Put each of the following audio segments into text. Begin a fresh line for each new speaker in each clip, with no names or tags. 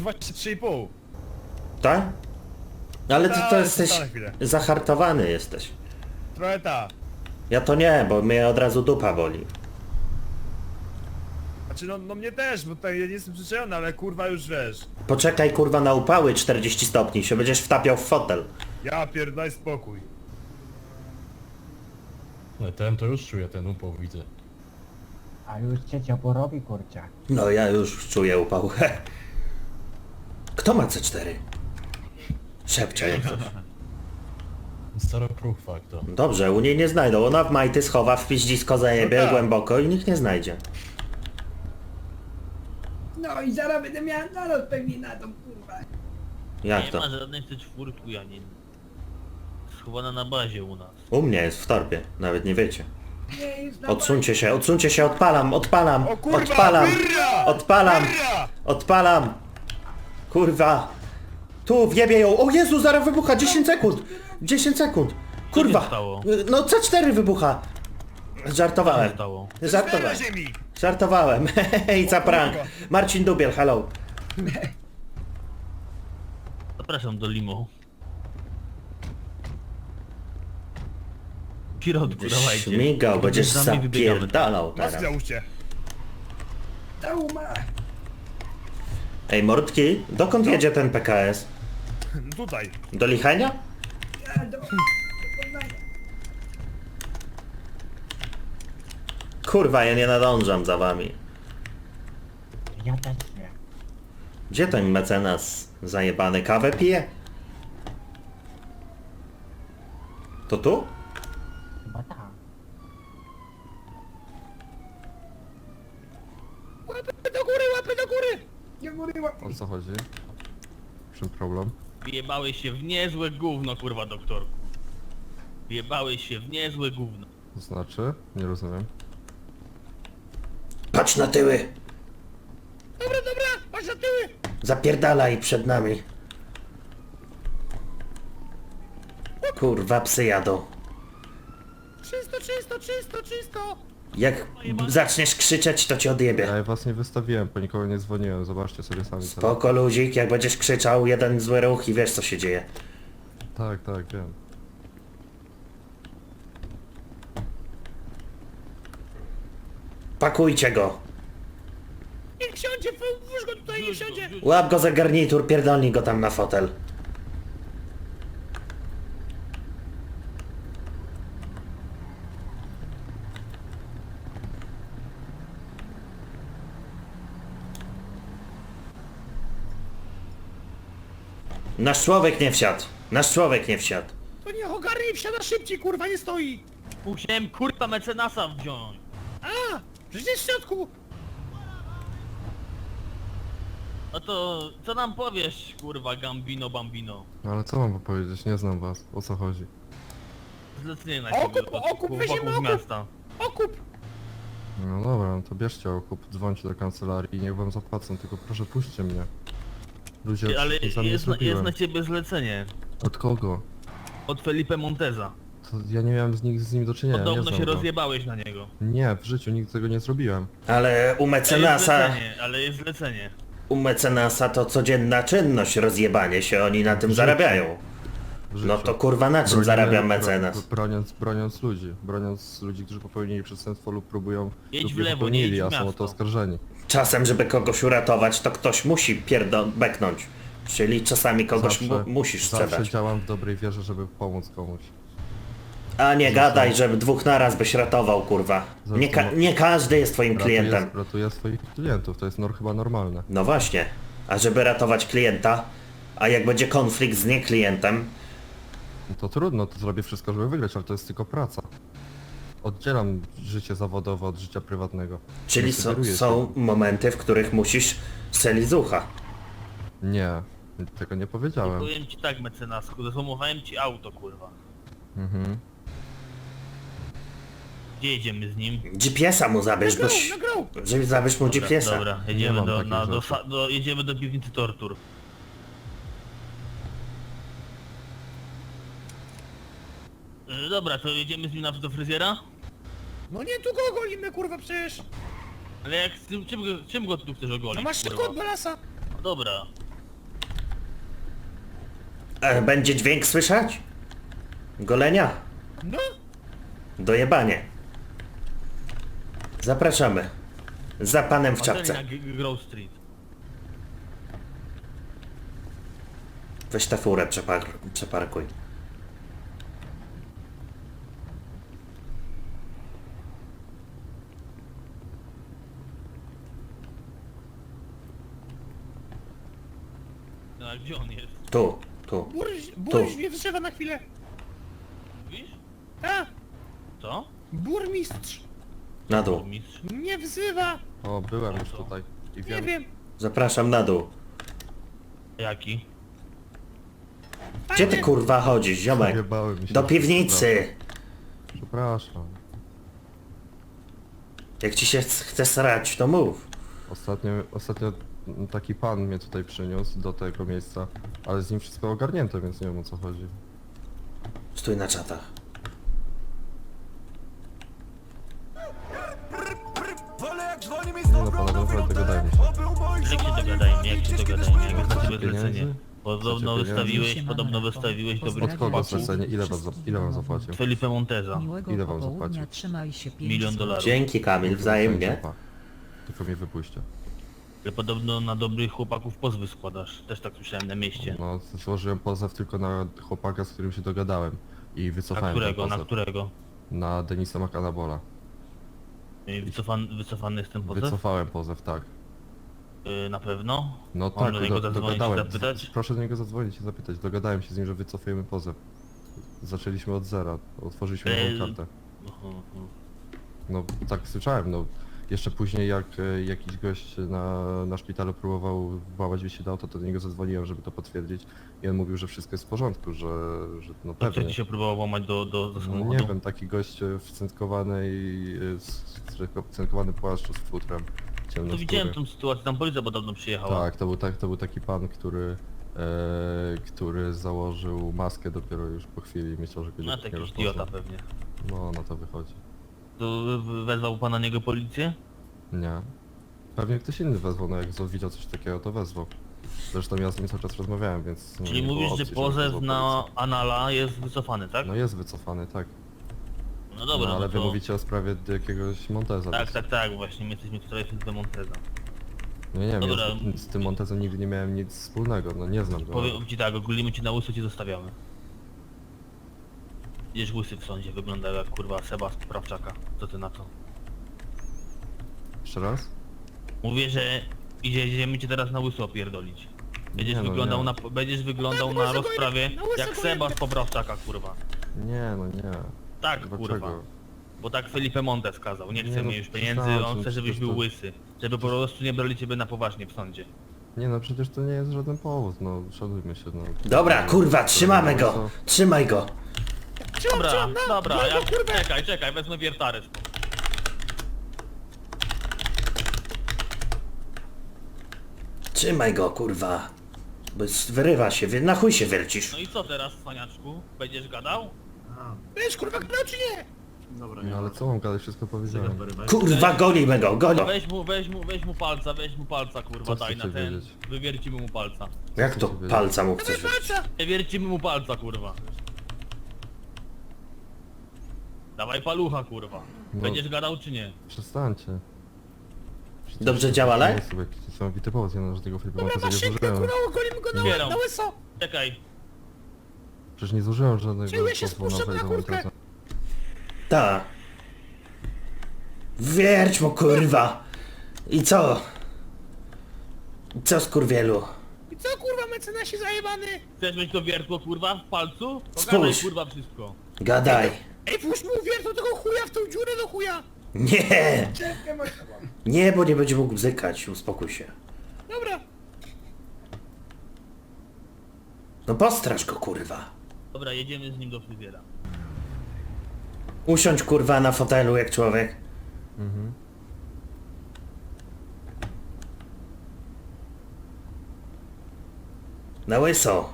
właśnie 3,5.
Tak? Ale ty
Tak,
to
jeszcze
jesteś...
na chwilę.
Zahartowany jesteś.
Trochę ta.
Ja to nie, bo mnie od razu dupa boli.
Znaczy no mnie też, bo tutaj ja nie jestem przyzwyczajony, ale kurwa już wiesz.
Poczekaj kurwa na upały 40 stopni, się będziesz wtapiał w fotel.
Ja pierdolę spokój.
No ten to już czuje, ten upał widzę.
A już cię ciepło robi, kurczę.
No ja już czuję upał. Kto ma C4? Szepcze jak coś.
Staro proof to.
Dobrze, u niej nie znajdą. Ona w majty schowa, w piździsko zajebie
No tak.
głęboko i nikt nie znajdzie.
No i zaraz będę miała nalot pewnie na tą kurwa.
Jak
Nie
to?
ma żadnej C4, ani... Schowana na bazie u nas.
U mnie jest w torbie, nawet nie wiecie.
Nie, już na
Odsuńcie się, odpalam, odpalam,
O kurwa,
odpalam,
wyrra!
odpalam,
Wyrra!
odpalam. Kurwa. Tu, wjebie ją. O Jezu, zaraz wybucha, 10 sekund. 10 sekund.
Co
Kurwa.
się stało?
No C4 wybucha. Żartowałem.
Stało.
Żartowałem.
Na ziemi!
Żartowałem. Hej, za prank. Marcin Dubiel, hello.
Zapraszam do limo. W środku, dawajcie.
Śmigał, będziesz
Z nami wybiegamy.
zapierdalał
Masz
teraz.
na uście.
Dał ma.
Ej, mordki, dokąd jedzie ten PKS?
Tutaj.
Do Lichenia?
Ja do Poznania.
Kurwa, ja nie nadążam za wami.
Ja też nie.
Gdzie ten mecenas zajebany kawę pije? To tu?
Chyba tak.
Łapy do góry, łapy do góry!
Nie góry łapy.
O co chodzi? W czym problem?
Wjebałeś się w niezłe gówno, kurwa, doktorku. Wjebałeś się w niezłe gówno.
To znaczy? Nie rozumiem.
Patrz na tyły!
Dobra, patrz na tyły!
Zapierdalaj przed nami. Kurwa, psy jadą.
Czysto!
Jak zaczniesz krzyczeć, to cię odjebie.
Ja was nie wystawiłem, po nikogo nie dzwoniłem, zobaczcie sobie sami teraz.
Spoko luzik, jak będziesz krzyczał, jeden zły ruch i wiesz co się dzieje.
Tak, wiem.
Pakujcie go.
Niech siądzie, włóż go tutaj, niech siądzie!
Łap go za garnitur, pierdolnij go tam na fotel. Nasz człowiek nie wsiadł. Nasz człowiek nie wsiadł.
To niech ogarnie i wsiada szybciej, kurwa, nie stoi!
Musiałem kurwa mecenasa wziąć.
A! Przecież jest w środku!
No to co nam powiesz, kurwa, Gambino Bambino?
No ale co mam powiedzieć? Nie znam was. O co chodzi?
Zlecenie na
Okup,
ciebie
okup, weźmiemy
wokół
okup.
miasta.
Okup!
No dobra, no to bierzcie okup, dzwońcie do kancelarii i niech wam zapłacą, tylko proszę puśćcie mnie. Ludzie,
Ty, ale
co za mnie
jest
zrobiłem.
na ciebie zlecenie.
Od kogo?
Od Felipe Monteza.
To ja nie miałem z nim do czynienia, nie
Podobno
znam
się
go.
rozjebałeś na niego.
Nie, w życiu nigdy tego nie zrobiłem.
Ale u
Jest
mecenasa...
zlecenie, ale jest zlecenie.
U mecenasa to codzienna czynność, rozjebanie się, oni na tym
życiu.
zarabiają.
W życiu.
No to kurwa na czym
Bronimy-
zarabia mecenas?
Broniąc ludzi, którzy popełnili przestępstwo lub próbują
Jedź
lub
w
je
lewo, nie
popełnili,
jedź w
a są o
miasto.
to oskarżeni.
Czasem, żeby kogoś uratować, to ktoś musi beknąć. Czyli czasami kogoś musisz
Zawsze
sprzedać.
działam w dobrej wierze, żeby pomóc komuś.
A nie gadaj, że dwóch naraz byś ratował, kurwa. Nie każdy jest twoim klientem.
Ratuję swoich klientów, to jest chyba normalne.
No właśnie. A żeby ratować klienta, a jak będzie konflikt z nieklientem,
No to trudno, to zrobię wszystko, żeby wygrać, ale to jest tylko praca. Oddzielam życie zawodowe od życia prywatnego.
czyli
Nie sugeruję
są momenty, w których musisz strzelić z ucha.
Nie, tego nie powiedziałem.
Powiem ci tak, mecenasku, zesłomowałem ci auto, kurwa.
Mhm.
Gdzie jedziemy z nim?
GPS-a mu zabierz, goś. Żeby zabierz mu GPS-a.
Dobra,
Nie
jedziemy
mam takich rzeczy.
jedziemy do piwnicy tortur. Dobra, to jedziemy z nim do fryzjera?
No nie, tu go ogolimy, kurwa, przecież!
Ale jak, czym go tu chcesz
No
ogolić,
masz szybko
kurwa?
od balasa!
No dobra,
Będzie dźwięk słyszać? Golenia?
No,
Dojebanie. Zapraszamy. Za panem w
Marceli
czapce.
na Grove Street.
Weź tę furę, przeparkuj.
No a gdzie on jest?
Tu.
burś mnie wzywa na chwilę.
Mówisz?
A,
Co?
burmistrz
Na dół.
Mistrz?
mnie wzywa.
O, byłem już tutaj. I
Nie
wiem.
wiem.
Zapraszam na dół.
Jaki?
Gdzie ty kurwa chodzisz, ziomek?
Wjebałem mi się.
Do piwnicy.
Przepraszam.
Jak ci się chce srać, to mów.
Ostatnio taki pan mnie tutaj przyniósł do tego miejsca, ale z nim wszystko ogarnięte, więc nie wiem o co chodzi.
Stój na czatach.
Nie no panowie, naprawdę dogadajmy się.
Jak się dogadajmy, jak się dogadajmy, jak jest na ciebie
Pieniędzy?
zlecenie? Podobno
Chcecie
wystawiłeś, podobno wystawiłeś dobrych
Od kogo
chłopaków.
zlecenie? Ile wam zapłacił?
Felipe Monteza.
Miłego
Ile wam
popołudnia,
zapłacił?
trzymaj się 5
Milion dolarów.
Dzięki Kamil, wzajemnie.
Tylko mnie wypuśćcie.
Ale podobno na dobrych chłopaków pozwy składasz. Też tak słyszałem na mieście.
No, złożyłem pozew tylko na chłopaka, z którym się dogadałem. I
Na
wycofałem
którego,
ten
na
pozew.
którego?
Na Denisa Makanabola.
I wycofany jest ten pozew?
Wycofałem pozew, tak.
Na pewno?
No
Mam
tak,
do niego zadzwonić i
dogadałem.
zapytać?
Proszę do niego zadzwonić i zapytać. Dogadałem się z nim, że wycofujemy pozew. Zaczęliśmy od zera. Otworzyliśmy nową kartę. No tak słyszałem, no. Jeszcze później jak jakiś gość na szpitalu próbował włamać mi się do auta, to do niego zadzwoniłem, żeby to potwierdzić. I on mówił, że wszystko jest w porządku, że no
To co
pewnie.
ci się próbował łamać do
No,
samochodu?
nie wiem, taki gość w cynkowany płaszcz z futrem.
To
Ciemnoskóry.
widziałem tą sytuację, tam policja podobno przyjechała.
Tak, to był taki pan, który założył maskę dopiero już po chwili i myślał, że go
No
nie
to jakiś
rozpozna.
idiota pewnie.
No, na to wychodzi.
To wezwał pan na niego policję?
Nie. Pewnie ktoś inny wezwał, no jak widział coś takiego, to wezwał. Zresztą ja z nim cały czas rozmawiałem, więc...
Czyli
nie było
mówisz,
opcji,
że
żeby
pozew
wezwał
na
policję.
Anala jest wycofany, tak?
No jest wycofany, tak.
No dobra,
No, ale
no
wy
to...
mówicie o sprawie jakiegoś Monteza.
Tak,
więc-
tak, tak, właśnie my jesteśmy tutaj w Monteza.
No nie wiem,
Dobra.
ja z tym Montezem nigdy nie miałem nic wspólnego, no nie znam go.
Powiem ci tak, ogólimy cię na łyso, cię zostawiamy. Idziesz łysy w sądzie, wygląda jak kurwa Seba z Poprawczaka. Co ty na to?
Jeszcze raz?
Mówię, że idziemy cię teraz na łyso opierdolić. Będziesz
Nie no,
wyglądał
nie.
na będziesz wyglądał
Tak,
na
łyso go
rozprawie
na łyso
jak
go
Seba z
jedę.
Poprawczaka, kurwa.
Nie, no nie.
Tak,
Dlaczego?
kurwa. Bo tak Felipe Montes kazał, nie chce
Nie, no,
mieć już pieniędzy,
przesadzam,
on chce żebyś
przecież
był
to-
łysy. Żeby po prostu nie brali ciebie na poważnie w sądzie.
Nie no, przecież to nie jest żaden powód, no szanujmy się, no.
Dobra, kurwa, trzymamy go. Trzymaj go.
Dobra,
no,
dobra,
no,
ja,
kurwa.
czekaj, wezmę wiertarę stąd.
Trzymaj go, kurwa. Bo wyrywa się, na chuj się wiercisz.
No i co teraz, cwaniaczku? Będziesz gadał?
Wiesz, kurwa, kto czy nie?
No ale co mam gadać, wszystko powiedziałem.
Kurwa, golimy go, golimy.
Weź mu palca, kurwa,
Co
daj na
chcecie
ten.
wiedzieć?
Wywiercimy mu palca.
Jak to palca mu chcesz wiercić?
Patrza!
Wywiercimy mu palca, kurwa. Dawaj palucha, kurwa.
No.
Będziesz gadał czy nie?
Przestańcie.
Dobrze działa,
To
live?
jest sobie jakiś niesamowity powód, ja na żadnego Filipa
Dobra,
Monteza
masz
nie
szybko,
zużyłem.
kurwa, golimy go
Zbieram.
na łyso.
Czekaj.
Przecież nie zużyłem żadnego
Czuję się
pozwu na
spuszczam na
Filipa
kurtkę.
Monteza.
Ta. Wierć mu, kurwa. I co? Co, skurwielu?
I co, kurwa, mecenasie zajebany?
Chcesz mieć to wiertło, kurwa, w palcu? To
Spójrz.
gadaj, kurwa, wszystko.
Gadaj.
Ej, włóż mu wiertło tego chuja w tą dziurę do chuja.
Nie!
Czepkę masz chyba.
Nie, bo nie będzie mógł bzykać, uspokój się.
Dobra.
No postraż go, kurwa.
Dobra, jedziemy z nim do fryzjera.
Usiądź, kurwa, na fotelu jak człowiek.
Mhm.
Na łyso.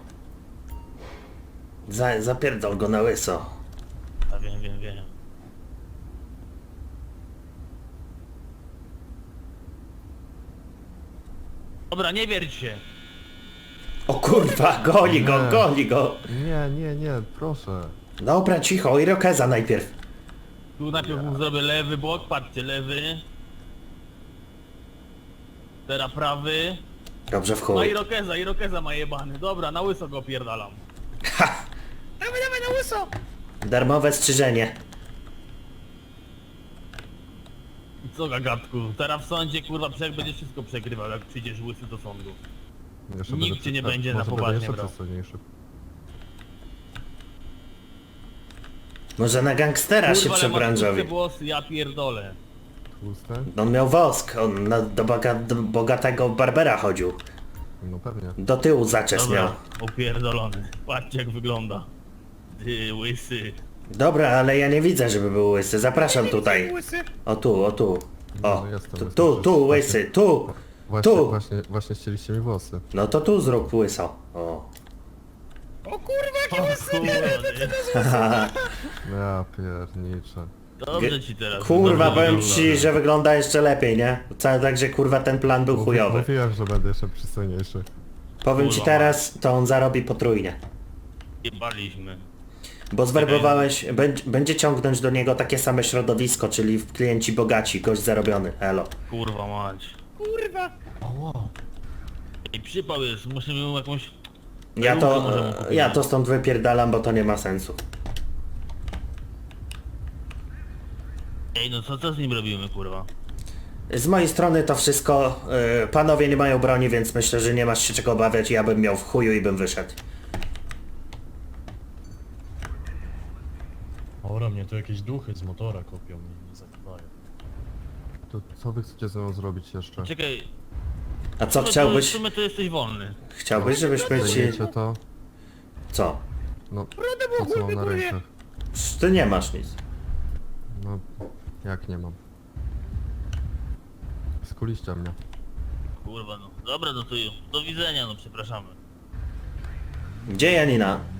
Zapierdol go na łyso.
A wiem. Dobra, nie wierć się.
O Kurwa, goni go,
Nie.
goni go.
Nie, proszę.
Dobra, cicho, Irokeza najpierw.
Tu najpierw mu zrobię lewy bok, patrzcie, lewy. Teraz prawy.
Dobrze, w
Ma
chuj.
Irokeza ma jebany. Dobra, na łyso go opierdalam.
Ha!
Dawaj, dawaj na łyso!
Darmowe strzyżenie.
I co gagatku? Teraz w sądzie kurwa będziesz wszystko przegrywał, jak przyjdziesz łysy do sądu.
Jeszcze
Nikt
będę
cię nie
przy-
będzie na
może
poważnie
będę jeszcze
brał.
przystojniejszy.
Może na gangstera się
Kurwa, ale masz
przebranżowi.
tłuste włosy, ja pierdolę.
Tłuste?
On miał wosk, on do bogatego barbera chodził.
No pewnie.
Do tyłu zaczes miał.
Dobra, opierdolony. Patrzcie jak wygląda. Ty łysy.
Dobra, ale ja nie widzę, żeby był łysy. Zapraszam tutaj.
Łysy.
O tu, o tu. O,
No, jestem,
tu,
jestem
tu,
przecież.
tu, łysy, tu. Tu.
Właśnie ścieliście mi włosy.
No to tu zrób łyso. O.
O kurwa,
O
jakie łysy!
kurwa,
Ja pierniczę.
dobrze ci teraz.
Kurwa,
dobrze
powiem
wygląda.
ci, że wygląda jeszcze lepiej, nie? Wcale tak, że kurwa ten plan był chujowy.
Mówiłem, że będę jeszcze przystojniejszy.
Powiem ci
Kurwa,
teraz, to on zarobi potrójnie.
Jebaliśmy.
Bo zwerbowałeś, będzie ciągnąć do niego takie same środowisko, czyli klienci bogaci, gość zarobiony, elo.
Kurwa mać.
Kurwa!
Oło.
I przypał jest, musimy mu jakąś...
Ja
Perukę możemy
to,
kupić.
ja to stąd wypierdalam, bo to nie ma sensu.
Ej no co z nim robimy kurwa?
Z mojej strony to wszystko, panowie nie mają broni, więc myślę, że nie masz się czego obawiać, ja bym miał w chuju i bym wyszedł.
Ora, mnie tu jakieś duchy z motora kopią i nie zakrywają.
To co wy chcecie ze mną zrobić jeszcze?
Czekaj.
A co
W
chciałbyś?
sumie to jesteś wolny.
Chciałbyś, żebyśmy ci...
Zajmiecie to?
Co?
No, to co mam na rękach?
Ty nie masz nic.
No, jak nie mam? Skuliście mnie.
Kurwa no. Dobra no to do widzenia no przepraszamy.
Gdzie Janina?